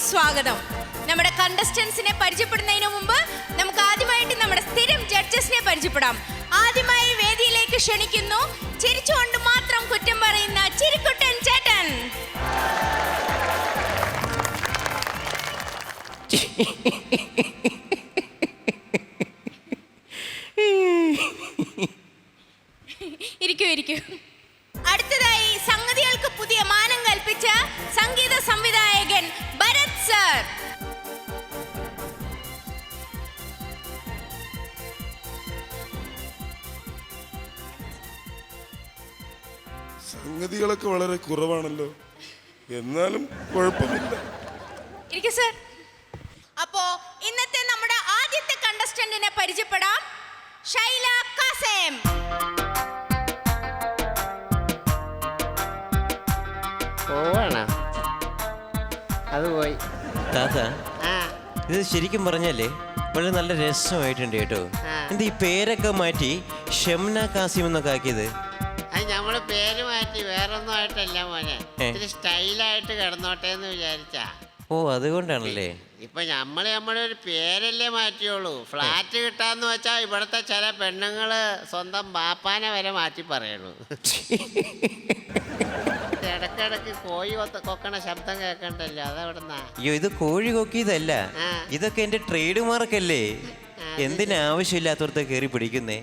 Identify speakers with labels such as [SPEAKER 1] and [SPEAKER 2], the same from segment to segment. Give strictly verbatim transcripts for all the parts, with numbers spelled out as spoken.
[SPEAKER 1] സ്വാഗതം. നമ്മുടെ കണ്ടസ്റ്റൻസിനെ പരിചയപ്പെടുന്നതിന് മുമ്പ് നമുക്ക് ആദ്യമായിട്ട് നമ്മുടെ സ്ഥിരം ജഡ്ജസിനെ പരിചയപ്പെടാം. ആദ്യമായി വേദിയിലേക്ക് ക്ഷണിക്കുന്നു ചിരിച്ചുകൊണ്ട് മാത്രം കുറ്റം പറയുന്ന ചിരിക്കുട്ടൻ ചേട്ടൻ. ഇരിക്കൂ ഇരിക്കൂ. അടുത്തതായി സംഗതികൾക്ക് പുതിയ മാനം കൽപ്പിച്ച സംഗീത സംവിധായകൻ ഭരത് സർ.
[SPEAKER 2] സംഗതികളൊക്കെ വളരെ കുറവാണല്ലോ, എന്നാലും കുഴപ്പമില്ല.
[SPEAKER 1] ഇരിക്കൂ സർ. അപ്പോ ഇന്നത്തെ നമ്മുടെ ആദ്യത്തെ കണ്ടസ്റ്റന്റിനെ പരിചയപ്പെടാം. ഷൈല കാസേം.
[SPEAKER 3] പോവാണോ? അത് പോയി.
[SPEAKER 4] താത്ത, ഇത് ശരിക്കും പറഞ്ഞാലേ വളരെ നല്ല രസമായിട്ടുണ്ട് കേട്ടോ. എന്താ ഈ പേരൊക്കെ മാറ്റി ഷംന കാസിം എന്നൊക്കെ ആക്കിയത്?
[SPEAKER 3] അത് നമ്മള് പേര് മാറ്റി വേറൊന്നും ആയിട്ടല്ല മോനെ, ഇത്തിരി സ്റ്റൈലായിട്ട് കിടന്നോട്ടെ എന്ന് വിചാരിച്ചാ.
[SPEAKER 4] ഓ, അതുകൊണ്ടാണല്ലേ.
[SPEAKER 3] ഇപ്പൊ നമ്മള് നമ്മുടെ ഒരു പേരല്ലേ മാറ്റിയോളൂ. ഫ്ലാറ്റ് കിട്ടാന്ന് വെച്ചാ ഇവിടത്തെ ചില പെണ്ണുങ്ങള് സ്വന്തം ബാപ്പാനെ വരെ മാറ്റി പറയണു. ഇടക്കിടക്ക് കോഴി കൊക്കണ ശബ്ദം കേൾക്കണ്ടല്ലോ, അതെവിടുന്നാ?
[SPEAKER 4] അയ്യോ, ഇത് കോഴി കൊക്കിയതല്ല, ഇതൊക്കെ എന്റെ ട്രേഡ് മാർക്കല്ലേ. എന്തിനാവശ്യമില്ലാത്തവർക്ക് കയറി പിടിക്കുന്നേ.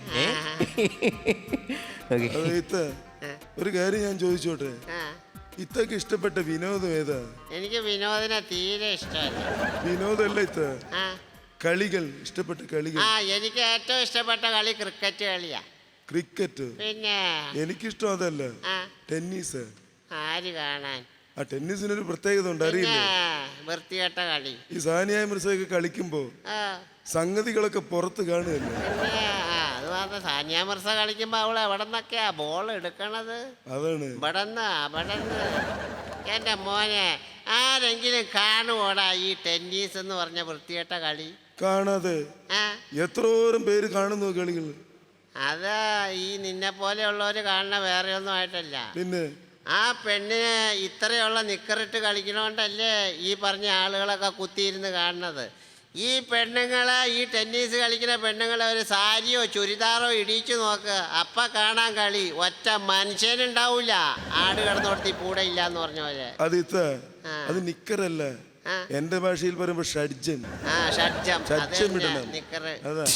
[SPEAKER 2] ഒരു കാര്യം ഞാൻ ചോദിച്ചോട്ടെ, ഇത്തൊക്കെ ഇഷ്ടപ്പെട്ട വിനോദം ഏതാ?
[SPEAKER 3] എനിക്ക് വിനോദിനെ തീരെ ഇഷ്ടമല്ല.
[SPEAKER 2] വിനോദല്ല ഇത്ത, കളികൾ ഇഷ്ടപ്പെട്ട കളികൾ.
[SPEAKER 3] ആ, എനിക്ക് ഏറ്റവും ഇഷ്ടപ്പെട്ട കളി ക്രിക്കറ്റ് കളിയാ.
[SPEAKER 2] ക്രിക്കറ്റ്?
[SPEAKER 3] പിന്നെ
[SPEAKER 2] എനിക്കിഷ്ടം അതല്ല, ടെന്നീസ്.
[SPEAKER 3] ആര് കാണാൻ?
[SPEAKER 2] ആ ടെന്നീസിനൊരു പ്രത്യേകത ഉണ്ട്, അറിയില്ലേ?
[SPEAKER 3] വൃത്തികെട്ട കളി.
[SPEAKER 2] ഈ സാനിയ മിർസയൊക്കെ കളിക്കുമ്പോ സംഗതികളൊക്കെ പുറത്ത് കാണുകയല്ലേ.
[SPEAKER 3] അത് മാത്രം, സാനിയ മിർസ കളിക്കുമ്പോ അവള് എവിടെ നിന്നൊക്കെയാ ബോൾ എടുക്കണത്?
[SPEAKER 2] അതാണ്
[SPEAKER 3] ഇവിടെന്ന് അവിടെന്ന്. എന്റെ മോനെ, ആരെങ്കിലും കാണുവോടാ ഈ ടെന്നീസ് എന്ന് പറഞ്ഞ വൃത്തികെട്ട കളി?
[SPEAKER 2] കാണാതെ എത്രോരം പേര് കാണുന്നു കളികൾ.
[SPEAKER 3] അത് ഈ നിന്നെ പോലെയുള്ളവര് കാണുന്ന വേറെ ഒന്നും ആയിട്ടല്ല.
[SPEAKER 2] പിന്നെ
[SPEAKER 3] ആ പെണ്ണിന് ഇത്രയുള്ള നിക്കറിട്ട് കളിക്കണോണ്ടല്ലേ ഈ പറഞ്ഞ ആളുകളൊക്കെ കുത്തിയിരുന്ന് കാണുന്നത്. ഈ പെണ്ണുങ്ങളെ, ഈ ടെന്നീസ് കളിക്കുന്ന പെണ്ണുങ്ങളെ ഒരു സാരിയോ ചുരിദാറോ ഇടിച്ചു നോക്ക്, അപ്പ കാണാൻ കളി. ഒറ്റ മനുഷ്യനുണ്ടാവൂല. ആട് കിടന്നോടത്തി കൂടെ ഇല്ല എന്ന് പറഞ്ഞ പോലെ.
[SPEAKER 2] അത് ഇത്ത, അത് നിക്കറല്ല, എന്റെ ഭാഷയിൽ പറയുമ്പോ ഷഡ്ജം.
[SPEAKER 3] ആ, ഷഡ്ജം. നിക്കറ്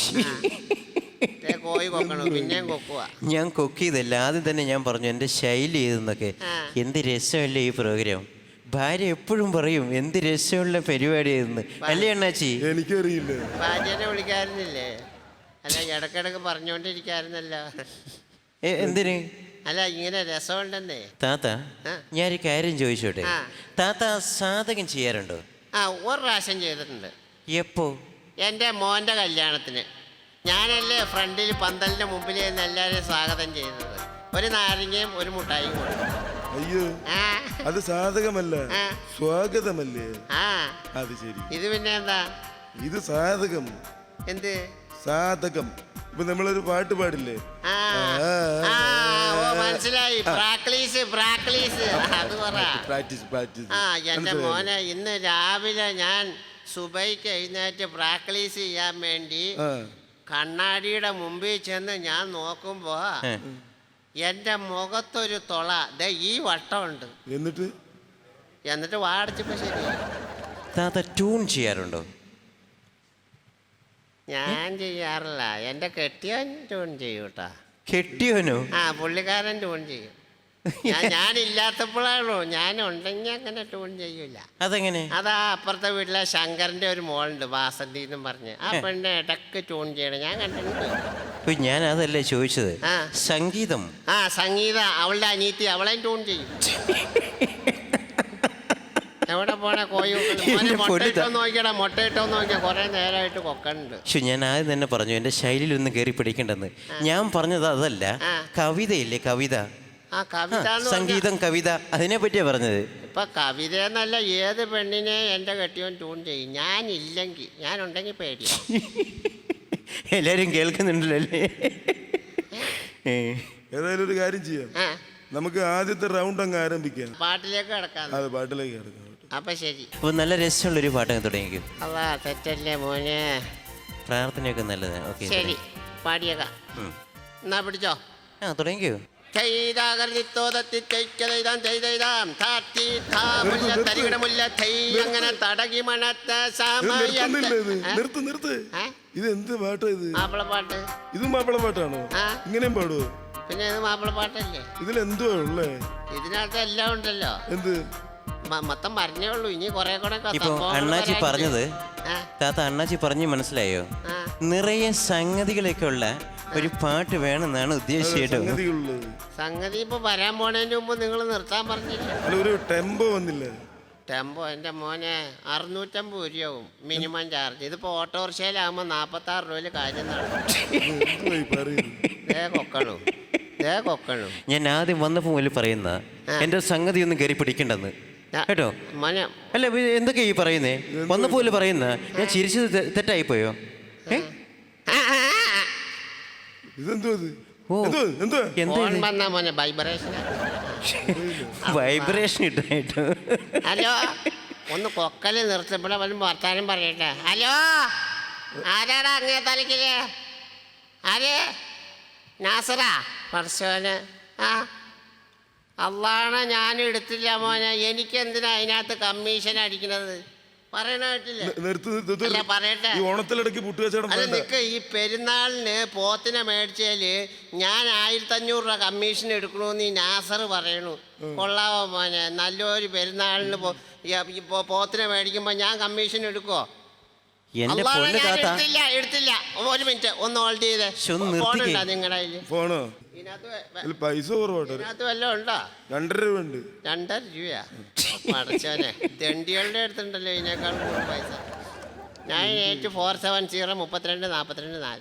[SPEAKER 3] കോഴി കൊക്കണു, പിന്നെയും കൊക്കുക.
[SPEAKER 4] ഞാൻ കൊക്കിയതല്ല, ആദ്യം തന്നെ ഞാൻ പറഞ്ഞു എന്റെ ശൈലി ഏതെന്നൊക്കെ. എന്ത് രസമല്ലേ ഈ പ്രോഗ്രാം. ഭാര്യ എപ്പോഴും പറയും എന്ത് രസമുള്ള പരിപാടിയായിരുന്നു, അല്ലേ അണ്ണാച്ചി?
[SPEAKER 2] എനിക്കറിയില്ല.
[SPEAKER 3] ഭാര്യനെ വിളിക്കാറുന്നില്ലേ? അല്ല, ഇടക്കിടക്ക് പറഞ്ഞോണ്ടിരിക്കാറുന്നല്ലോ.
[SPEAKER 4] എന്തിന്?
[SPEAKER 3] അല്ല, ഇങ്ങനെ രസമുണ്ടെന്നേ.
[SPEAKER 4] താത്ത, ഞാനൊരു കാര്യം ചോദിച്ചോട്ടെ. താത്ത സാധകം ചെയ്യാറുണ്ടോ?
[SPEAKER 3] ആ, ഒരു പ്രാവശ്യം ചെയ്തിട്ടുണ്ട്.
[SPEAKER 4] എപ്പോ?
[SPEAKER 3] എൻ്റെ മോൻ്റെ കല്യാണത്തിന്. ഞാനല്ലേ ഫ്രണ്ടിൽ പന്തലിൻ്റെ മുമ്പിൽ നിന്ന് എല്ലാവരെയും സ്വാഗതം ചെയ്തത്. ഒരു നാരങ്ങയും ഒരു മുട്ടായും കൊടുത്തു.
[SPEAKER 2] അയ്യോ, അത് സാധകമല്ല, സ്വാഗതമല്ലേ?
[SPEAKER 3] ആ,
[SPEAKER 2] അത് ശരി.
[SPEAKER 3] ഇത് പിന്നെ എന്താ?
[SPEAKER 2] ഇത് സാധകം.
[SPEAKER 3] എന്ത് സാധകം?
[SPEAKER 2] ഇപ്പൊ നമ്മളൊരു പാട്ട് പാടില്ലേ?
[SPEAKER 3] മനസ്സിലായി. പ്രാക്ടീസ് പ്രാക്ടീസ് അത് പറ.
[SPEAKER 2] Practice practice.
[SPEAKER 3] ആ, എൻ്റെ മോനെ, ഇന്ന് രാവിലെ ഞാൻ സുബൈക്ക് എഴുന്നേറ്റ് പ്രാക്ടീസ് ചെയ്യാൻ വേണ്ടി കണ്ണാടിയുടെ മുമ്പിൽ ചെന്ന് ഞാൻ നോക്കുമ്പോ എന്റെ മുഖത്തൊരു തൊള ദേ ഈ വട്ടമുണ്ട്.
[SPEAKER 2] എന്നിട്ട്
[SPEAKER 3] എന്നിട്ട് വാടിച്ചപ്പോ ശരി.
[SPEAKER 4] താത്ത ട്യൂൺ ചെയ്യാറുണ്ടോ?
[SPEAKER 3] ഞാൻ ചെയ്യാറില്ല, എന്റെ കെട്ടിയോൻ ട്യൂൺ ചെയ്യൂട്ടാ.
[SPEAKER 4] കെട്ടിയോനോ?
[SPEAKER 3] ആ, പുള്ളിക്കാരൻ ട്യൂൺ ചെയ്യും. ഞാനില്ലാത്തപ്പോഴാണോ, ഞാൻ ഉണ്ടെങ്കിൽ അങ്ങനെ ട്യൂൺ ചെയ്യൂല.
[SPEAKER 4] അതെങ്ങനെ?
[SPEAKER 3] അതാ അപ്പുറത്തെ വീട്ടിലെ ശങ്കറിന്റെ ഒരു മോളുണ്ട്, വാസന്തി എന്നും പറഞ്ഞ്. ആ പെണ്ണ് ഇടക്ക് ട്യൂൺ ചെയ്യണം, ഞാൻ കണ്ടിട്ടുണ്ട്.
[SPEAKER 4] ഞാൻ അതല്ലേ ചോദിച്ചത്. സംഗീതം.
[SPEAKER 3] ആ, സംഗീത അവളുടെ അനിയത്തി, അവളെ ട്യൂൺ ചെയ്യും. എവിടെ പോണ കോഴി മുട്ടയിട്ടോ നോക്കിയടാ, മുട്ടയിട്ടോ നോക്കിയാ കൊറേ നേരമായിട്ട് കൊക്കണ്ട്.
[SPEAKER 4] പക്ഷെ ഞാൻ ആദ്യം തന്നെ പറഞ്ഞു എന്റെ ശൈലിയിൽ ഒന്ന് കയറി പിടിക്കണ്ടെന്ന്. ഞാൻ പറഞ്ഞത് അതല്ല, കവിതയില്ലേ, കവിത.
[SPEAKER 3] ആ, കവിത,
[SPEAKER 4] സംഗീതം, കവിത, അതിനെ പറ്റിയാ പറഞ്ഞത്.
[SPEAKER 3] ഇപ്പൊ കവിത എന്നല്ല, ഏത് പെണ്ണിനെ എന്റെ കെട്ടിയോൻ ട്യൂൺ ചെയ്യും. ഞാനില്ലെങ്കിൽ, ഞാനുണ്ടെങ്കിൽ പേടിയാ.
[SPEAKER 4] എല്ലാരും കേൾക്കുന്നുണ്ടല്ലോ അല്ലേ?
[SPEAKER 2] ഏതായാലും ഒരു കാര്യം ചെയ്യാം, നമുക്ക് ആദ്യത്തെ റൗണ്ട് അങ്ങ് ആരംഭിക്കാം.
[SPEAKER 3] പാട്ടിലേക്ക് കിടക്കാം.
[SPEAKER 2] അതെ, പാട്ടിലേക്ക് കിടക്കാം.
[SPEAKER 3] അപ്പൊ ശരി.
[SPEAKER 4] അപ്പോൾ നല്ല രസമുള്ളൊരു പാട്ടൊക്കെ തുടങ്ങിക്കും.
[SPEAKER 3] അതാ തെറ്റല്ലേ മോനെ.
[SPEAKER 4] പ്രാർത്ഥനയൊക്കെ നല്ലതാണ്. ഓക്കെ
[SPEAKER 3] ശരി, പാടിയേക്കാം. എന്നാ പിടിച്ചോ.
[SPEAKER 4] ആ തുടങ്ങിക്കോ.
[SPEAKER 3] അങ്ങനെ തടകി മണത്ത
[SPEAKER 2] നിർത്തുന്നില്ല ഇത്. നിർത്ത് നിർത്ത്. ഇത് എന്ത് പാട്ടാ ഇത്?
[SPEAKER 3] മാപ്പിളപ്പാട്ട്.
[SPEAKER 2] ഇത് മാപ്പിള പാട്ടാണോ? ഇങ്ങനെയും പാടുവോ?
[SPEAKER 3] പിന്നെ ഇത് മാപ്പിളപ്പാട്ടല്ലേ?
[SPEAKER 2] ഇതിൽ എന്തുവാ ഉള്ളേ?
[SPEAKER 3] ഇതിനകത്ത് എല്ലാം ഉണ്ടല്ലോ.
[SPEAKER 2] എന്ത്?
[SPEAKER 3] മൊത്തം പറഞ്ഞേ ഉള്ളൂ. ഇനി കുറെ കൂടെ
[SPEAKER 4] ഇപ്പൊ അണ്ണാച്ചി പറഞ്ഞത് താത്ത അണ്ണാച്ചി പറഞ്ഞു മനസ്സിലായോ? നിറയെ സംഗതികളൊക്കെ ഉള്ള ഒരു പാട്ട് വേണമെന്നാണ് ഉദ്ദേശിച്ചത്.
[SPEAKER 3] സംഗതി ഇപ്പൊ വരാൻ പോണതിന് മുമ്പ് നിങ്ങൾ നിർത്താൻ പറഞ്ഞില്ല.
[SPEAKER 2] ഒരു ടെമ്പോ വന്നില്ല.
[SPEAKER 3] ടെമ്പോ എന്റെ മോനെ അറുന്നൂറ്റമ്പത് രൂപയാവും മിനിമം ചാർജ്. ഇതിപ്പോ ഓട്ടോറിക്ഷയിലാകുമ്പോ നാപ്പത്തി ആറ് രൂപയില് കാര്യം കൊക്കണു ദേ കൊക്കണു.
[SPEAKER 4] ഞാൻ ആദ്യം വന്നപ്പോ മുതൽ പറയുന്ന എന്റെ സംഗതി ഒന്നും കയറി പിടിക്കണ്ടെന്ന് കേട്ടോ.
[SPEAKER 3] മോനെ
[SPEAKER 4] അല്ല എന്തൊക്കെയാ ഈ പറയുന്നേ? വന്നപ്പോ പറയുന്ന ഞാൻ ചിരിച്ചത് തെറ്റായി പോയോ? വൈബ്രേഷൻ ഇട്ടായിട്ടോ.
[SPEAKER 3] ഹലോ, ഒന്ന് കൊക്കല് നിർത്തപ്പെടെ വല്ല വർത്താനം പറയട്ടെ. ഹലോ, ആരാടാ അങ്ങേ തലക്കില്? ആര്? നാസറാ? പറശോന്. ആ അള്ളാണ്, ഞാൻ എടുത്തില്ല മോനെ. എനിക്ക് എന്തിനാ അതിനകത്ത് കമ്മീഷൻ അടിക്കണത്? പറയട്ടെ. അല്ല നിക്ക്, ഈ പെരുന്നാളിന് പോത്തിനെ മേടിച്ചാല് ഞാൻ ആയിരത്തി അഞ്ഞൂറ് രൂപ കമ്മീഷൻ എടുക്കണമെന്ന് ഈ നാസർ പറയണു. കൊള്ളാവോ മോനെ? നല്ലൊരു പെരുന്നാളിന് പോത്തിനെ മേടിക്കുമ്പോ ഞാൻ കമ്മീഷൻ എടുക്കോ? എടുത്തില്ല എടുത്തില്ല ഒരു മിനിറ്റ് ഒന്ന് ഹോൾഡ് ചെയ്തേ. ഫോണുണ്ടോ നിങ്ങളുടെ
[SPEAKER 2] ഫോണോ? പൈസ
[SPEAKER 3] ഇതിനകത്ത് വല്ലതും ഉണ്ടോ?
[SPEAKER 2] രണ്ടര രൂപ ഉണ്ട്.
[SPEAKER 3] രണ്ടര രൂപയാ? മടച്ചോനെ, തെണ്ടികളുടെ അടുത്തുണ്ടല്ലോ ഇതിനേക്കാൾ കൂടുതൽ പൈസ. Nine eight four seven zero മുപ്പത്തിരണ്ട് നാൽപ്പത്തിരണ്ട് നാല്.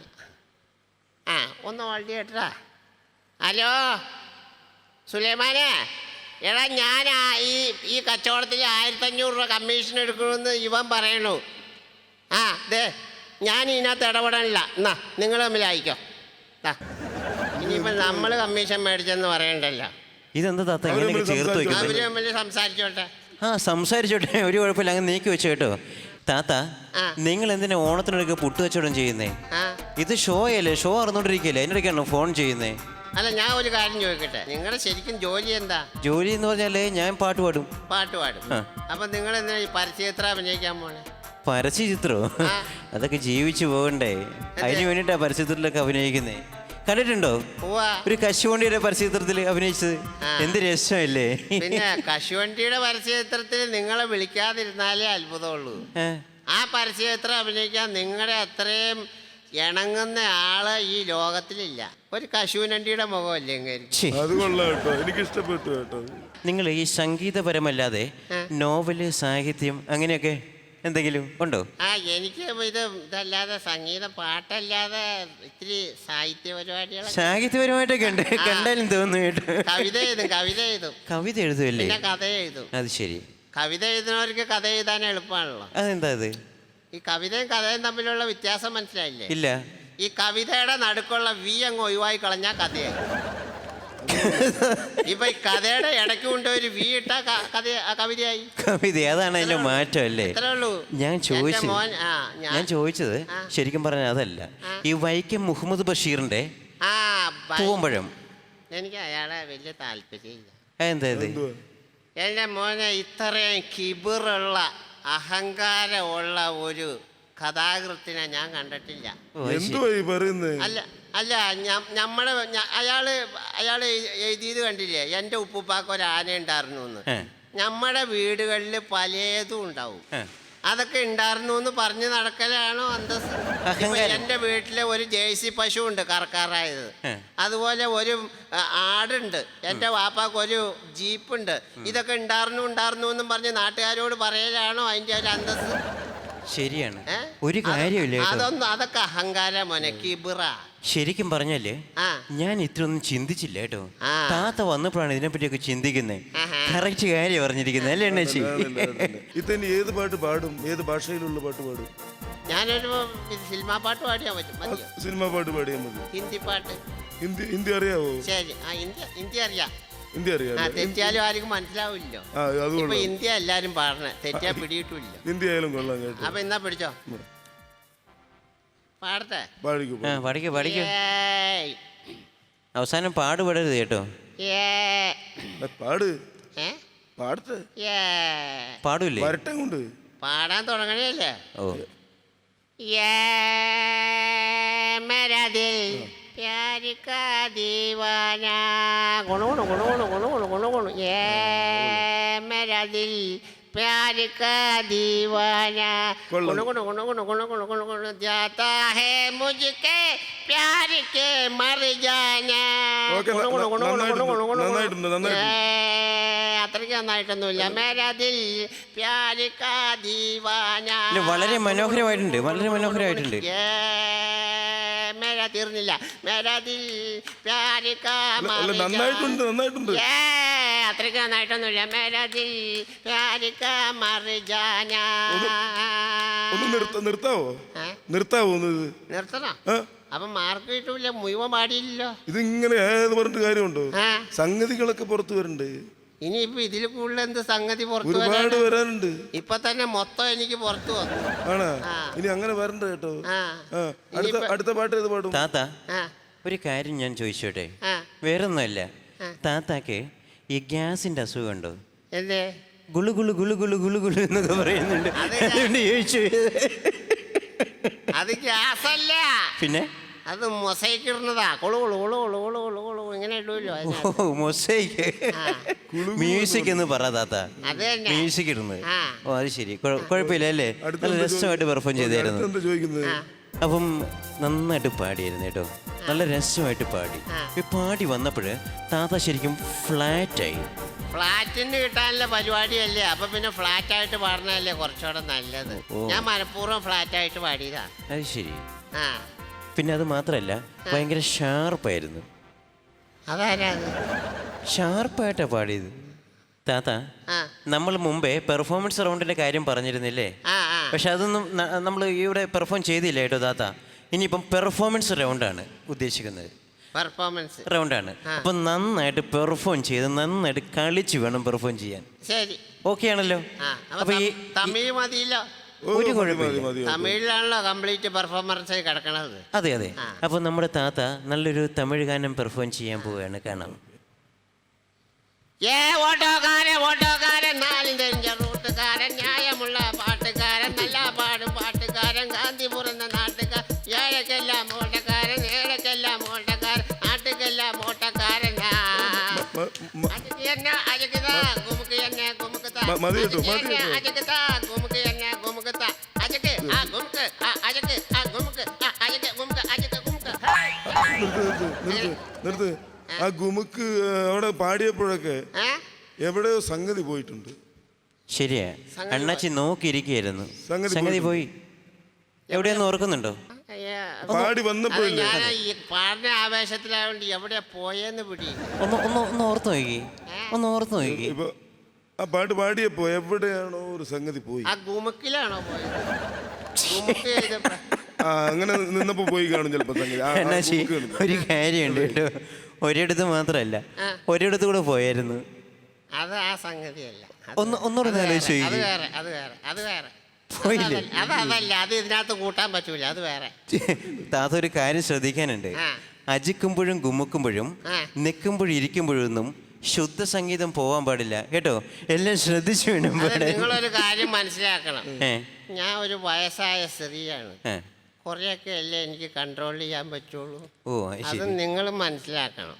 [SPEAKER 3] ആ ഒന്ന് ഹോൾഡ് ചെയ്യട്ടാ. ഹലോ സുലൈമാനെ, എടാ ഞാൻ ഈ ഈ കച്ചവടത്തിൽ ആയിരത്തഞ്ഞൂറ് രൂപ കമ്മീഷൻ എടുക്കണമെന്ന് ഇവൻ പറയണു. ആ ദേ ഞാൻ ഇതിനകത്ത് ഇടപെടാനില്ല. എന്നാ നിങ്ങൾ തമ്മിൽ അയക്കോ. ഇനിയിപ്പോൾ നമ്മൾ കമ്മീഷൻ മേടിച്ചെന്ന് പറയണ്ടല്ലോ.
[SPEAKER 4] ഇതെന്താ താത്ത ഇങ്ങനെയൊക്കെ ചേർത്ത് വെക്കുന്നത്?
[SPEAKER 3] അവര് തമ്മിൽ സംസാരിച്ചോട്ടെ.
[SPEAKER 4] ആ സംസാരിച്ചോട്ടെ, ഒരു കുഴപ്പമില്ല. അങ്ങ് നീക്കി വെച്ചു കേട്ടോ. താത്ത നിങ്ങൾ എന്തിനാ ഓണത്തിനൊക്കെ പുട്ട് കച്ചവടം ചെയ്യുന്നേ? ഇത് ഷോ അല്ലേ? ഷോ അറിഞ്ഞോണ്ടിരിക്കല്ലേ? അതിനിടയ്ക്കാണോ ഫോൺ ചെയ്യുന്നേ?
[SPEAKER 3] അല്ല, ഞാൻ ഒരു കാര്യം ചോദിക്കട്ടെ, നിങ്ങളുടെ ശരിക്കും ജോലി എന്താ?
[SPEAKER 4] ജോലി എന്ന് പറഞ്ഞാലേ ഞാൻ പാട്ട് പാടും.
[SPEAKER 3] പാട്ട് പാടും. അപ്പൊ നിങ്ങൾ എന്തിനാ ഈ പരസ്യചിത്രം അഭിനയിക്കാൻ പോണേ?
[SPEAKER 4] പരസ്യചിത്രോ? അതൊക്കെ ജീവിച്ചു പോകണ്ടേ? അതിന് വേണ്ടിട്ടാ പരസ്യചിത്രത്തിലൊക്കെ അഭിനയിക്കുന്നേ. കണ്ടിട്ടുണ്ടോ ഒരു കശുവണ്ടിയുടെ പരസ്യചിത്രത്തിൽ അഭിനയിച്ചത്? എന്ത് രസമല്ലേ?
[SPEAKER 3] പിന്നെ കശുവണ്ടിയുടെ പരസ്യചിത്രത്തിൽ നിങ്ങളെ വിളിക്കാതിരുന്നാലേ അത്ഭുതമുള്ളൂ. ആ പരസ്യചിത്രം അഭിനയിക്കാൻ നിങ്ങളുടെ അത്രയും ഇണങ്ങുന്ന ആള് ഈ ലോകത്തിലില്ല. ഒരു കശുവണ്ടിയുടെ മുഖമല്ലേ
[SPEAKER 2] എനിക്ക് ഇഷ്ടപ്പെട്ടു കേട്ടോ.
[SPEAKER 4] നിങ്ങൾ ഈ സംഗീതപരമല്ലാതെ നോവല്, സാഹിത്യം അങ്ങനെയൊക്കെ എന്തെങ്കിലും ഉണ്ടോ?
[SPEAKER 3] ആ എനിക്ക് ഇത് ഇതല്ലാതെ സംഗീതം, പാട്ടല്ലാതെ ഇത്തിരി സാഹിത്യ പരിപാടികൾ.
[SPEAKER 4] സാഹിത്യപരമായിട്ടൊക്കെ ഉണ്ട്, കണ്ടാലും തോന്നുന്നു കേട്ടോ.
[SPEAKER 3] കവിത എഴുതും കവിത എഴുതും
[SPEAKER 4] കവിത എഴുതുമല്ലേ?
[SPEAKER 3] പിന്നെ കഥ എഴുതും.
[SPEAKER 4] അത് ശരി.
[SPEAKER 3] കവിത എഴുതുന്നവർക്ക് കഥ എഴുതാൻ എളുപ്പമാണല്ലോ.
[SPEAKER 4] അതെന്താ അത്? ഈ
[SPEAKER 3] കവിതയും കഥയും തമ്മിലുള്ള വ്യത്യാസം മനസ്സിലായില്ലേ?
[SPEAKER 4] ഇല്ല.
[SPEAKER 3] ഈ കവിതയുടെ നടുക്കുള്ള വി അങ്ങ് ഒഴിവായി കളഞ്ഞാൽ കഥയായി. ഇപ്പൊ ഈ കഥയുടെ ഇടയ്ക്ക് കൊണ്ട് ഒരു വി ഇട്ട കഥ കവിതയായി.
[SPEAKER 4] കവിത അതാണ് അതിന്റെ മാറ്റം അല്ലേ? ഞാൻ ചോദിച്ചത് ഞാൻ ചോദിച്ചത് ശരിക്കും പറഞ്ഞാൽ അതല്ല, ഈ വൈക്കം മുഹമ്മദ് ബഷീറിന്റെ പൂവമ്പഴം.
[SPEAKER 3] എനിക്ക് അയാളെ വലിയ താല്പര്യമില്ല.
[SPEAKER 4] എന്താ ഇത്?
[SPEAKER 3] എന്റെ മോനെ, ഇത്രയും കിബിറുള്ള അഹങ്കാരമുള്ള ഒരു കഥാകൃത്തിനെ ഞാൻ കണ്ടിട്ടില്ല. അല്ല അല്ല നമ്മുടെ അയാള് അയാള് എഴുതിയത് കണ്ടില്ലേ? എൻ്റെ ഉപ്പുപ്പാക്ക് ഒരു ആന ഉണ്ടായിരുന്നു എന്ന്. നമ്മുടെ വീടുകളിൽ പലതും ഉണ്ടാവും. അതൊക്കെ ഉണ്ടായിരുന്നു എന്ന് പറഞ്ഞു നടക്കലാണോ അന്തസ്? എൻ്റെ വീട്ടിലെ ഒരു ജേഴ്സി പശു ഉണ്ട് കറക്കാറായത്. അതുപോലെ ഒരു ആടുണ്ട്. എൻ്റെ വാപ്പാക്ക് ഒരു ജീപ്പുണ്ട്. ഇതൊക്കെ ഉണ്ടായിരുന്നു ഉണ്ടായിരുന്നു എന്നും പറഞ്ഞ് നാട്ടുകാരോട് പറയലാണോ അതിൻ്റെ ഒരു അന്തസ്?
[SPEAKER 4] ശരിയാണ്. ഒരു കാര്യമില്ല.
[SPEAKER 3] അതൊന്നും അതൊക്കെ അഹങ്കാരം മോനെ, കിബിറ.
[SPEAKER 4] ശരിക്കും പറഞ്ഞാല് ഞാൻ ഇത്രയൊന്നും ചിന്തിച്ചില്ല കേട്ടോ. താത്ത വന്നപ്പോഴാണ് ഇതിനെപ്പറ്റിയൊക്കെ ചിന്തിക്കുന്നത്. കറക്റ്റ് കാര്യം പറഞ്ഞിരിക്കുന്നത് അല്ലേ അണ്ണാച്ചി?
[SPEAKER 2] ഇതന്നെ ഏത് പാട്ട് പാടും? ഏത് ഭാഷയിലുള്ള പാട്ട് പാടും?
[SPEAKER 3] ഞാനൊരു സിനിമാ പാട്ട് പാടിയാൽ പറ്റും.
[SPEAKER 2] സിനിമാ പാട്ട് പാടിയാൽ മതി.
[SPEAKER 3] ഹിന്ദി പാട്ട്.
[SPEAKER 2] ഹിന്ദി ഹിന്ദി അറിയാവോ?
[SPEAKER 3] ശരി, ആ ഹിന്ദി ഹിന്ദി അറിയാം.
[SPEAKER 2] ഹിന്ദി
[SPEAKER 3] ആ
[SPEAKER 2] അറിയാം
[SPEAKER 3] തെറ്റിയാലും ആർക്കും മനസ്സിലാവില്ലോ.
[SPEAKER 2] ആ അത്
[SPEAKER 3] ഇപ്പൊ
[SPEAKER 2] കൊള്ളാം.
[SPEAKER 3] ഹിന്ദി എല്ലാരും പാടണേ, തെറ്റിയാ പിടിയിട്ടില്ല.
[SPEAKER 2] ഹിന്ദി ആയാലും കൊള്ളാം കേട്ടോ.
[SPEAKER 3] അപ്പൊ എന്നാ പിടിച്ചോ, പാടട്ടെ.
[SPEAKER 2] പാടിക്കോ
[SPEAKER 4] ആ പഠിക്കോ പഠിക്കോ.
[SPEAKER 3] ഏയ്.
[SPEAKER 4] അവസാനം പാടുപെടരുത് കേട്ടോ.
[SPEAKER 3] ഏ.
[SPEAKER 2] പാട്
[SPEAKER 3] ഏ?
[SPEAKER 2] പാടത്തെ
[SPEAKER 3] ഏ.
[SPEAKER 4] പാടൂല്ലേ?
[SPEAKER 2] വരട്ടെ കൊണ്ട്
[SPEAKER 3] പാടാൻ തുടങ്ങണല്ലേ?
[SPEAKER 4] ഓ
[SPEAKER 3] ये मेरा दिल प्यार का दीवाना गुणु गुणु गुणु गुणु गुणु गुणु गुणु गुणु ये मेरा दिल प्यार का दीवाना गुणु गुणु गुणु गुणु गुणु गुणु गुणु गुणु जाता है मुझके प्यार के मर जाना
[SPEAKER 2] ഓക്കേ,
[SPEAKER 3] गुणु गुणु गुणु गुणु गुणु गुणु गुणु
[SPEAKER 2] നന്നായിട്ടുണ്ട്, നന്നായിട്ടുണ്ട്.
[SPEAKER 3] ഏ, അത്രയ്ക്ക് നന്നായിട്ടൊന്നുമില്ല. മേരാ ദിൽ പ്യാർ കാ ദീവാന.
[SPEAKER 4] ഇല്ല, വളരെ മനോഹരമായിട്ടുണ്ട്, വളരെ മനോഹരമായിട്ടുണ്ട്.
[SPEAKER 3] ഏ, മേരാ തീർന്നില്ല. മേരാ ദിൽ പ്യാർ കാ
[SPEAKER 2] അല്ല
[SPEAKER 3] മർ
[SPEAKER 2] നന്നായിട്ടുണ്ട് നന്നായിട്ടുണ്ട്
[SPEAKER 3] ജാന. ഏ, അത്രയ്ക്ക് നന്നായിട്ടൊന്നുമില്ല. മേരാ ദിൽ പ്യാർ കാ മർ ജാന.
[SPEAKER 2] ഒന്ന് നിർത്ത നിർത്താവോ
[SPEAKER 3] ഏ?
[SPEAKER 2] നിർത്താവോ ഒന്ന് ഇത്?
[SPEAKER 3] നിർത്തണോ?
[SPEAKER 2] ആ?
[SPEAKER 3] അപ്പൊ മാർക്ക് കിട്ടൂല, മുഴുവൻ പാടിയില്ലല്ലോ.
[SPEAKER 2] ഇതിങ്ങനെ ഏത് പറഞ്ഞിട്ട് കാര്യമുണ്ടോ?
[SPEAKER 3] ആ.
[SPEAKER 2] സംഗതികളൊക്കെ പുറത്തു വരണ്ടേ?
[SPEAKER 3] ഇനിയിപ്പോ ഇതിൽ കൂടുതൽ എന്ത് സംഗതി പുറത്തു
[SPEAKER 2] ഒരുപാട്
[SPEAKER 3] വരാനാ?
[SPEAKER 2] വരാനുണ്ട്.
[SPEAKER 3] ഇപ്പൊ തന്നെ മൊത്തം എനിക്ക് പുറത്തു വന്നു.
[SPEAKER 2] ആണാ?
[SPEAKER 3] ആ.
[SPEAKER 2] ഇനി അങ്ങനെ വരണ്ട കേട്ടോ.
[SPEAKER 3] ആ.
[SPEAKER 2] ആ. അടുത്ത
[SPEAKER 3] ഇനിയിപ്പോ-
[SPEAKER 2] അടുത്ത പാട്ട് ഏത് പാടും?
[SPEAKER 4] താത്ത
[SPEAKER 3] ആ
[SPEAKER 4] ഒരു കാര്യം ഞാൻ ചോദിച്ചോട്ടെ.
[SPEAKER 3] ആ
[SPEAKER 4] വേറൊന്നുമല്ല,
[SPEAKER 3] ആ.
[SPEAKER 4] താത്താക്ക് ഈ ഗ്യാസിന്റെ അസുഖമുണ്ടോ?
[SPEAKER 3] എന്തേ?
[SPEAKER 4] ഗുളു ഗുളു ഗുളു ഗുളു ഗുളു ഗുളു എന്നൊക്കെ പറയുന്നുണ്ട്.
[SPEAKER 3] അത്
[SPEAKER 4] അതുകൊണ്ട് ചോദിച്ചു.
[SPEAKER 3] അത് ഗ്യാസല്ല,
[SPEAKER 4] പിന്നെ
[SPEAKER 3] അത് മൊസൈക്ക് ഇടുന്നതാ. കൊളു കൊളു കൊളു കൊളു കൊളു കൊളു കൊളു ഇങ്ങനെ ഇടുമല്ലോ അതിനകത്ത്.
[SPEAKER 4] ഓ മൊസൈക്ക്
[SPEAKER 3] ആ.
[SPEAKER 4] മ്യൂസിക് എന്ന് പറ താത്ത.
[SPEAKER 3] അത് തന്നെ.
[SPEAKER 4] മ്യൂസിക് ഇടുന്നത്.
[SPEAKER 3] ആ.
[SPEAKER 4] ഓ അത് ശരി, കുഴ- കുഴപ്പമില്ല അല്ലേ?
[SPEAKER 2] അടുത്ത
[SPEAKER 4] നല്ല
[SPEAKER 2] എന്താ
[SPEAKER 4] രസമായിട്ട്
[SPEAKER 2] ചോദി-
[SPEAKER 4] പെർഫോം
[SPEAKER 2] ഓക്കേ,
[SPEAKER 4] ചെയ്തായിരുന്നു.
[SPEAKER 2] അടുത്ത എന്താ ചോദിക്കുന്നത്?
[SPEAKER 3] ആ.
[SPEAKER 4] അപ്പം നന്നായിട്ട് പാടിയായിരുന്നു കേട്ടോ, നല്ല രസമായിട്ട് പാടി.
[SPEAKER 3] ആ.
[SPEAKER 4] ഈ പാടി വന്നപ്പോൾ താത്ത ശരിക്കും ഫ്ലാറ്റായി.
[SPEAKER 3] ഫ്ലാറ്റിന് കിട്ടാനുള്ള പരിപാടിയല്ലേ, അപ്പൊ പിന്നെ ഫ്ലാറ്റ് ആയിട്ട് പാടണല്ലേ കുറച്ചുകൂടെ നല്ലത്.
[SPEAKER 4] ഓ.
[SPEAKER 3] ഞാൻ മനഃപൂർവ്വം ഫ്ലാറ്റ് ആയിട്ട് പാടിയതാ.
[SPEAKER 4] അത് ശരി.
[SPEAKER 3] ആ
[SPEAKER 4] പിന്നെ അത് മാത്രമല്ല, ഭയങ്കര ഷാർപ്പായിരുന്നു.
[SPEAKER 3] അതാരാ അത്?
[SPEAKER 4] ഷാർപ്പായിട്ടാണ് പാടിയത്. താത്ത,
[SPEAKER 3] ആ
[SPEAKER 4] നമ്മൾ മുമ്പേ പെർഫോമൻസ് റൗണ്ടിൻ്റെ കാര്യം പറഞ്ഞിരുന്നില്ലേ?
[SPEAKER 3] ആ ആ
[SPEAKER 4] പക്ഷെ അതൊന്നും നമ്മൾ ഇവിടെ പെർഫോം ചെയ്തില്ല കേട്ടോ താത്ത. ഇനിയിപ്പം പെർഫോമൻസ് റൗണ്ടാണ് ഉദ്ദേശിക്കുന്നത്.
[SPEAKER 3] പെർഫോമൻസ്
[SPEAKER 4] റൗണ്ടാണ്.
[SPEAKER 3] ആ.
[SPEAKER 4] അപ്പം നന്നായിട്ട് പെർഫോം ചെയ്ത് നന്നായിട്ട് കളിച്ച് വേണം പെർഫോം ചെയ്യാൻ.
[SPEAKER 3] ശരി.
[SPEAKER 4] ഓക്കെ ആണല്ലോ?
[SPEAKER 3] ആ അപ്പൊ
[SPEAKER 4] അപ്പം ഈ
[SPEAKER 3] തം- തമിഴ് മതിയല്ലോ.
[SPEAKER 2] ഓ,
[SPEAKER 4] ഒരു
[SPEAKER 2] മതി,
[SPEAKER 4] കുഴപ്പമില്ല.
[SPEAKER 2] മതി, മതി, മതി.
[SPEAKER 3] തമിഴിലാണല്ലോ കംപ്ലീറ്റ് പെർഫോമൻസ് കിടക്കണത്.
[SPEAKER 4] അതെ അതെ.
[SPEAKER 3] ആ.
[SPEAKER 4] അപ്പോൾ നമ്മുടെ താത്ത നല്ലൊരു തമിഴ് ഗാനം പെർഫോം ചെയ്യാൻ പോവുകയാണ്, കാണാം.
[SPEAKER 3] ഏ ഓട്ടോക്കാരൻ ഓട്ടോക്കാരൻ നാലും തെരിഞ്ഞ റൂട്ടുകാരൻ ന്യായമുള്ള പാട്ടുകാരൻ നല്ല പാടും പാട്ടുകാരൻ കാന്തിപുരം എന്ന നാട്ടുകാരൻ ഏഴക്കെല്ലാം ഓട്ടക്കാരൻ ഏഴക്കെല്ലാം ഓട്ടക്കാരൻ നാട്ടുക്കെല്ലാം ഓട്ടക്കാരനാ.
[SPEAKER 2] മ- മ-
[SPEAKER 3] അജക്ക് എന്നെ അജക്കുതാ ഗുമുക്ക് എന്നെ ഗുമുക്കുതാ.
[SPEAKER 2] മ- മതി കേട്ടോ,
[SPEAKER 3] അജക്ക്
[SPEAKER 2] മതി
[SPEAKER 3] എന്നെ
[SPEAKER 2] കേട്ടോ.
[SPEAKER 3] അജക്കുതാ ഗുമുക്ക് എന്നെ ഗുമുക്കുതാ. അജക്ക് ആ ഗുമുക്ക് ആ അജക്ക് ആ ഗുമുക്ക് ആ അജക്ക് ഗുമുക്ക് അജക്ക് ഗുമുക്ക്.
[SPEAKER 2] നിർത്ത് നിർത്ത് നിർത്ത് നിർത്ത്. ആ ഗുമുക്ക് അവിടെ പാടിയപ്പോഴൊക്കെ
[SPEAKER 3] ഏ
[SPEAKER 2] എവിടെയോ സംഗതി പോയിട്ടുണ്ട്.
[SPEAKER 4] ശരിയാ,
[SPEAKER 3] സംഗതി
[SPEAKER 4] അണ്ണാച്ചി നോക്കിയിരിക്കുകയായിരുന്നു.
[SPEAKER 2] സംഗതി
[SPEAKER 4] സംഗതി പോയി.
[SPEAKER 2] പോയിട്ടുണ്ട്.
[SPEAKER 4] എവിടെയൊന്ന് ഓർക്കുന്നുണ്ടോ?
[SPEAKER 3] അയ്യ.
[SPEAKER 2] പാടി
[SPEAKER 3] അത്
[SPEAKER 2] വന്നപ്പോഴില്ലേ?
[SPEAKER 3] ഞാൻ ഈ പാടിന ആവേശത്തിലായോണ്ട് എവിടെയാ പോയെന്ന് പിടി.
[SPEAKER 4] ഒന്ന് ഒന്ന് ഒന്ന് ഓർത്ത് നോക്കി, ഒന്ന് ഓർത്ത് നോക്കി.
[SPEAKER 2] ഇപ്പൊ ആ പാട്ട് പാടിയപ്പോ എവിടെയാണോ ഒരു സംഗതി പോയി.
[SPEAKER 3] ആ ഗുമുക്കിലാണോ പോയത്? ഗുമുക്ക് ചെയ്തപ്പോ
[SPEAKER 2] ആ അങ്ങനെ നിന്നപ്പോ പോയി കാണും ചിലപ്പോ സംഗതി. ആ, ആ
[SPEAKER 4] അണ്ണാച്ചി
[SPEAKER 2] ഗുമുക്ക് കണ്ടു.
[SPEAKER 4] ഒരു കാര്യമുണ്ട് കേട്ടോ, ഒരിടത്ത് മാത്രമല്ല
[SPEAKER 3] ആ.
[SPEAKER 4] ഒരിടത്ത് കൂടെ പോയായിരുന്നു.
[SPEAKER 3] അത് ആ സംഗതിയല്ല. അത്
[SPEAKER 4] ഒന്ന് ഒന്നുകൂടെ
[SPEAKER 3] അത്
[SPEAKER 4] ആലോചിച്ച്
[SPEAKER 3] വേറെ, അത്
[SPEAKER 4] നോക്കി.
[SPEAKER 3] വേറെ അത് വേറെ അത് വേറെ.
[SPEAKER 4] പോയില്ലേ?
[SPEAKER 3] അതല്ല, അത് അതല്ല, അത് ഇതിനകത്ത് കൂട്ടാൻ പറ്റൂല, അത് വേറെ.
[SPEAKER 4] താത്ത ഒരു കാര്യം ശ്രദ്ധിക്കാനുണ്ട്.
[SPEAKER 3] ആ.
[SPEAKER 4] അജിക്കുമ്പോഴും ഗുമ്മുക്കുമ്പോഴും
[SPEAKER 3] ആ.
[SPEAKER 4] നിൽക്കുമ്പോഴും ഇരിക്കുമ്പോഴൊന്നും ശുദ്ധ സംഗീതം പോവാൻ പാടില്ല കേട്ടോ. എല്ലാം ശ്രദ്ധിച്ചു വേണം
[SPEAKER 3] അത്
[SPEAKER 4] പാടാൻ.
[SPEAKER 3] നിങ്ങളൊരു കാര്യം മനസ്സിലാക്കണം.
[SPEAKER 4] ഏ,
[SPEAKER 3] ഞാൻ ഒരു വയസ്സായ സ്ത്രീയാണ്.
[SPEAKER 4] ഏ.
[SPEAKER 3] കുറെയൊക്കെ അല്ലേ എനിക്ക് കൺട്രോൾ ചെയ്യാൻ പറ്റുള്ളൂ.
[SPEAKER 4] ഓ അത്
[SPEAKER 3] അത്
[SPEAKER 4] ശരി.
[SPEAKER 3] നിങ്ങൾ മനസ്സിലാക്കണം.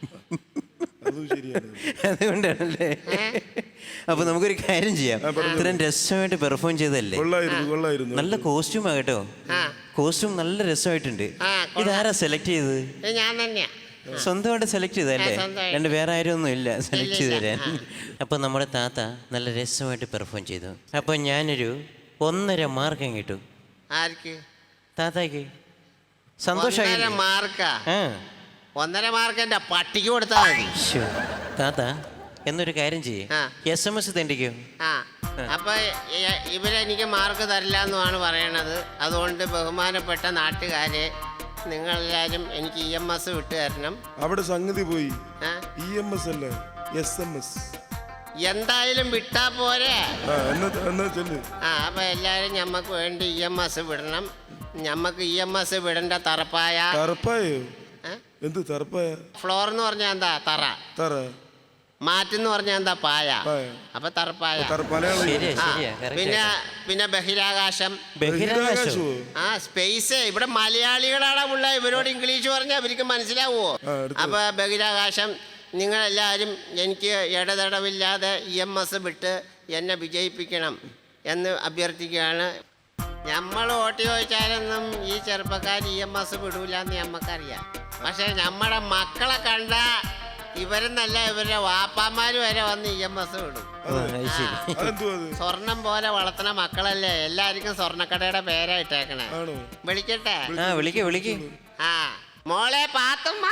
[SPEAKER 2] അതും ശരിയാണ്.
[SPEAKER 4] അതുകൊണ്ടാണല്ലേ.
[SPEAKER 3] ഏ?
[SPEAKER 4] അപ്പൊ നമുക്കൊരു കാര്യം ചെയ്യാം. ഇത്രയും രസമായിട്ട് പെർഫോം ചെയ്തല്ലേ,
[SPEAKER 2] കൊള്ളായിരുന്നു കൊള്ളായിരുന്നു.
[SPEAKER 4] നല്ല കോസ്റ്റ്യൂമാ കേട്ടോ.
[SPEAKER 3] ആ
[SPEAKER 4] കോസ്റ്റ്യൂം നല്ല രസമായിട്ടുണ്ട്.
[SPEAKER 3] ആ, കൊള്ളാം.
[SPEAKER 4] ഇതാരാ സെലക്ട് ചെയ്തത്?
[SPEAKER 3] ഇത് ഞാൻ തന്നെയാ.
[SPEAKER 4] സ്വന്തമായിട്ട് സെലക്ട് ചെയ്തല്ലേ?
[SPEAKER 3] ആ, സ്വന്തമായിട്ട്.
[SPEAKER 4] രണ്ട് വേറെ ആരും ഒന്നും ഇല്ല സെലക്ട് ചെയ്ത്
[SPEAKER 3] ഇല്ല,
[SPEAKER 4] തരാൻ. അപ്പൊ നമ്മുടെ താത്ത നല്ല രസമായിട്ട് പെർഫോം ചെയ്തു. അപ്പൊ ഞാനൊരു ഒന്നര മാർക്ക് കിട്ടും
[SPEAKER 3] ആർക്ക്?
[SPEAKER 4] താത്താക്ക്.
[SPEAKER 3] ഒന്നര
[SPEAKER 4] സന്തോഷമായി.
[SPEAKER 3] മാർക്കാ?
[SPEAKER 4] ആ
[SPEAKER 3] ഒന്നര മാർക്ക് എന്റെ പട്ടിക്ക് കൊടുത്താൽ മതി.
[SPEAKER 4] ശ്ശോ. താത്ത എന്നൊരു കാര്യം ചെയ്യേ,
[SPEAKER 3] ആ.
[SPEAKER 4] എസ് എം എസ് തെണ്ടിക്കോ.
[SPEAKER 3] ആ അപ്പൊ ഇ- ഇവരെനിക്ക് മാർക്ക് തരില്ല എന്നുമാണ് പറയണത്. അതുകൊണ്ട് ബഹുമാനപ്പെട്ട നാട്ടുകാരെ, നിങ്ങളെല്ലാവരും എനിക്ക് ഇ എം എസ് വിട്ടു തരണം.
[SPEAKER 2] അവിടെ സംഗതി പോയി.
[SPEAKER 3] ആ?
[SPEAKER 2] ഇ എം എസ് അല്ല, എസ് എം എസ്.
[SPEAKER 3] എന്തായാലും വിട്ടാ പോരെ.
[SPEAKER 2] ആ എന്നാ എന്നാ ചെല്ല്.
[SPEAKER 3] ആ അപ്പൊ എല്ലാരും ഞമ്മക്ക് വേണ്ടി ഇ എം എസ് വിടണം. ഞമ്മക്ക് ഇ എം എസ് വിടേണ്ട തറപ്പായ.
[SPEAKER 2] തറപ്പായോ?
[SPEAKER 3] ഏ?
[SPEAKER 2] എന്ത് തറപ്പായ?
[SPEAKER 3] ഫ്ലോർ എന്ന് പറഞ്ഞാൽ എന്താ? തറ.
[SPEAKER 2] തറ.
[SPEAKER 3] മാറ്റെന്ന് പറഞ്ഞാൽ എന്താ? പായ.
[SPEAKER 2] പായ.
[SPEAKER 3] അപ്പൊ തറപ്പായ.
[SPEAKER 2] തറ- മലയാളം.
[SPEAKER 4] ശരിയാ
[SPEAKER 3] ആ,
[SPEAKER 4] ശരിയാ correct
[SPEAKER 3] പിന്നെ
[SPEAKER 4] ആയിട്ടാ.
[SPEAKER 3] പിന്നെ ബഹിരാകാശം.
[SPEAKER 4] ബഹിരാകാശമോ?
[SPEAKER 3] ആ സ്പേസ്. ഇവിടെ മലയാളികളാണ് ഉള്ള. ഇവരോട് ഇംഗ്ലീഷ് പറഞ്ഞാൽ അവർക്ക് മനസ്സിലാവുമോ?
[SPEAKER 2] ആ, അടുത്തത്.
[SPEAKER 3] അപ്പൊ ബഹിരാകാശം നിങ്ങളെല്ലാവരും എനിക്ക് ഇടതടവില്ലാതെ ഇ എം എസ് വിട്ട് എന്നെ വിജയിപ്പിക്കണം എന്ന് അഭ്യർത്ഥിക്കുകയാണ്. നമ്മൾ വോട്ട് ചോദിച്ചാലൊന്നും ഈ ചെറുപ്പക്കാർ ഇ എം എസ് വിടൂല എന്ന് നമ്മക്കറിയാം. പക്ഷെ നമ്മുടെ മക്കളെ കണ്ട ഇവരെന്നല്ല ഇവരുടെ വാപ്പാമാർ വരെ വന്ന് ഇ എം എസ് വിടും.
[SPEAKER 4] ആ, അത് ശരി.
[SPEAKER 2] അതെന്തുവാ അത്?
[SPEAKER 3] സ്വർണം പോലെ വളർത്തുന്ന മക്കളല്ലേ. എല്ലാവർക്കും സ്വർണ്ണക്കടയുടെ പേരായിട്ടേക്കണേ.
[SPEAKER 2] ആണോ?
[SPEAKER 3] വിളിക്കട്ടെ?
[SPEAKER 4] ആ വിളിക്ക് വിളിക്ക്.
[SPEAKER 3] ആ മോളെ പാത്തുമ്മ.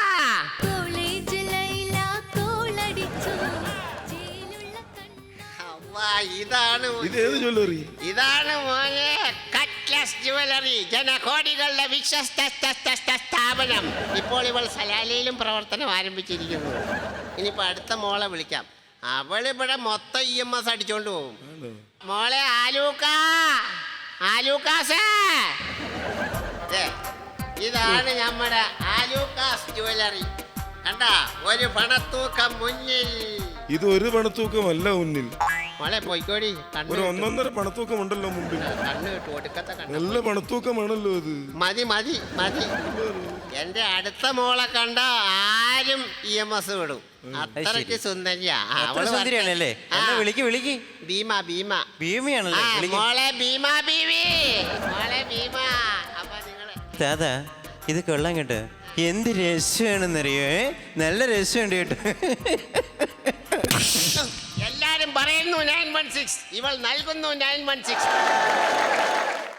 [SPEAKER 3] അവ്വാ, ഇതാണ്
[SPEAKER 2] ഇത് ഏത് ജ്വല്ലറി?
[SPEAKER 3] ഇതാണ് മോനെ കട്ട്ലസ് ജുവലറി, ജനകോടികളുടെ വിശ്വസ്ത സ്ഥാപനം. ഇപ്പോൾ ഇവൾ സലാലയിലും പ്രവർത്തനം ആരംഭിച്ചിരിക്കുന്നു. ഇനിയിപ്പോ അടുത്ത മോളെ വിളിക്കാം. അവളിവിടെ മൊത്തം ഇ എം എസ് അടിച്ചോണ്ട് പോകും.
[SPEAKER 2] ആണോ?
[SPEAKER 3] മോളെ ആലൂക്ക, ആലൂക്കാസേ. ദേ, ഇതാണ് നമ്മുടെ ആലൂക്കാസ് ജുവലറി. കണ്ടാ ഒരു പണത്തൂക്കം മുന്നിൽ.
[SPEAKER 2] ഇത് ഒരു പണത്തൂക്കമല്ല മുന്നിൽ,
[SPEAKER 3] മോളെ പോയിക്കോടി.
[SPEAKER 2] ഒരു
[SPEAKER 3] കണ്ണ്
[SPEAKER 2] ഒന്നൊന്നര പണത്തൂക്കം ഉണ്ടല്ലോ മുമ്പിൽ.
[SPEAKER 3] കണ്ണ് കിട്ടു ഒടുക്കത്തെ കണ്ണ്.
[SPEAKER 2] നല്ല പണത്തൂക്കമാണല്ലോ അത്.
[SPEAKER 3] മതി മതി മതി. എന്റെ അടുത്ത മോളെ കണ്ട ആരും ഇ എം എസ് വിടും. അത്രയ്ക്ക് സുന്ദരിയാ. ആ,
[SPEAKER 4] അത്ര
[SPEAKER 3] അവള്
[SPEAKER 4] സുന്ദരിയാണല്ലേ?
[SPEAKER 3] ആ,
[SPEAKER 4] എന്നാ വിളിക്ക് വിളിക്ക്.
[SPEAKER 3] ഭീമ ഭീമ.
[SPEAKER 4] ഭീമയാണല്ലേ?
[SPEAKER 3] ആ,
[SPEAKER 4] വിളിക്ക്.
[SPEAKER 3] മോളെ ഭീമ ബീവി. മോളെ ഭീമ. അപ്പൊ നിങ്ങള്
[SPEAKER 4] ദാദാ ഇത് കൊള്ളാൻ കേട്ടോ. എന്ത് രസമാണെന്നറിയോ? ഏ? നല്ല രസമുണ്ട് കേട്ടോ.
[SPEAKER 3] എല്ലാരും പറയുന്നു നയൻ വൺ സിക്സ്. ഇവൾ നൽകുന്നു നയൻ വൺ സിക്സ്.